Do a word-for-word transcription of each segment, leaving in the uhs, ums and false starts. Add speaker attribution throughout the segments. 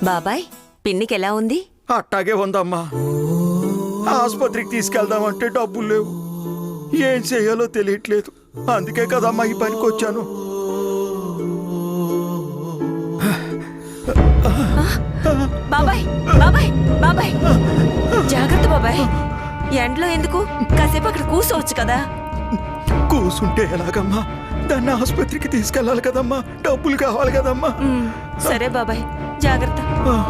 Speaker 1: బాబాయ్, పిన్నికి ఎలా ఉంది?
Speaker 2: అట్టాగే ఉందమ్మా. ఆసుపత్రికి తీసుకెళ్దామంటే డబ్బులు లేవు, ఏం చేయాలో తెలియట్లేదు. అందుకే కదమ్మా ఈ పనికి వచ్చాను.
Speaker 1: బాబాయ్ బాబాయ్ బాబాయ్ జాగ్రత్త బాబాయ్. ఎండలో ఎందుకు? కాసేపు అక్కడ కూర్చోవచ్చు కదా.
Speaker 2: కూసుంటే ఎలాగమ్మా? దాన్ని ఆసుపత్రికి తీసుకెళ్ళాలి కదమ్మా, డబ్బులు కావాలి కదమ్మా.
Speaker 1: సరే బాబాయ్, జాగ్రత్త.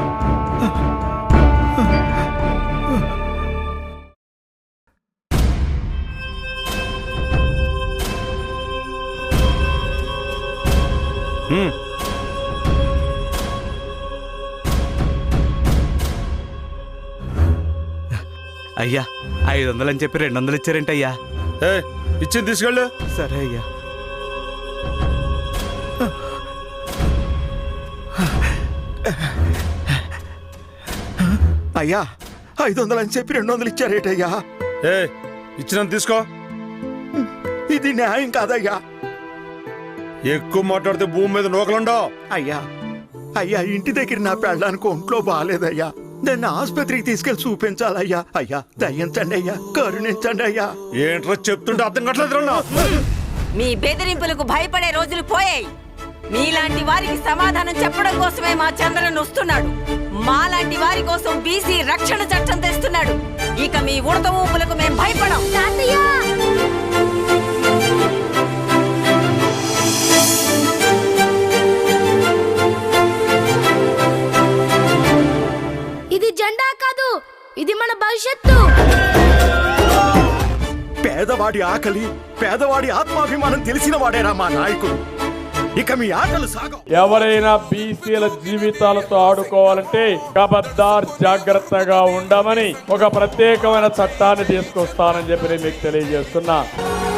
Speaker 3: అయ్యా, ఐదు వందలు అని చెప్పి రెండు వందలు ఇచ్చారేంటి అయ్యా?
Speaker 2: ఇచ్చింది తీసుకెళ్ళు.
Speaker 3: సరే అయ్యా.
Speaker 2: అయ్యా, ఐదు వందలు అని చెప్పి రెండు వందలు ఇచ్చారేటయ్యా?
Speaker 4: ఏ ఇచ్చిన తీసుకో.
Speaker 2: ఇది న్యాయం కాదయ్యా.
Speaker 4: ఎక్కువ మాట్లాడితే భూమి మీద నూకలుండవు.
Speaker 2: అయ్యా అయ్యా ఇంటి దగ్గర నా పెళ్ళడానికి ఒంట్లో బాగాలేదయ్యా, దాన్ని ఆసుపత్రికి తీసుకెళ్లి చూపించాలయ్యా. అయ్యా దయించండి అయ్యా, కరుణించండి అయ్యా.
Speaker 4: ఏంట్రా చెప్తుంటే అర్థం కావట్లేదు.
Speaker 1: మీ బెదిరింపులకు భయపడే రోజులు పోయాయి. మీలాంటి వారికి సమాధానం చెప్పడం కోసమే మా చంద్రన్ వస్తున్నాడు. మాలాంటి వారి కోసం బీసీ రక్షణ చట్టం తెస్తున్నాడు. ఇక మీ ఉడత ఊపులకు మేం భయపడం.
Speaker 5: ఇది జెండా కాదు, ఇది మన భవిష్యత్తు.
Speaker 2: పేదవాడి ఆకలి, పేదవాడి ఆత్మాభిమానం తెలిసిన వాడేరా మా నాయకుడు. ఇక మీ ఆటలు సాగవు.
Speaker 6: ఎవరైనా బీసీల జీవితాలతో ఆడుకోవాలంటే ఖబర్దార్, జాగ్రత్తగా ఉండమని ఒక ప్రత్యేకమైన చట్టాన్ని తీసుకొస్తానని చెప్పి నేను మీకు తెలియజేస్తున్నా.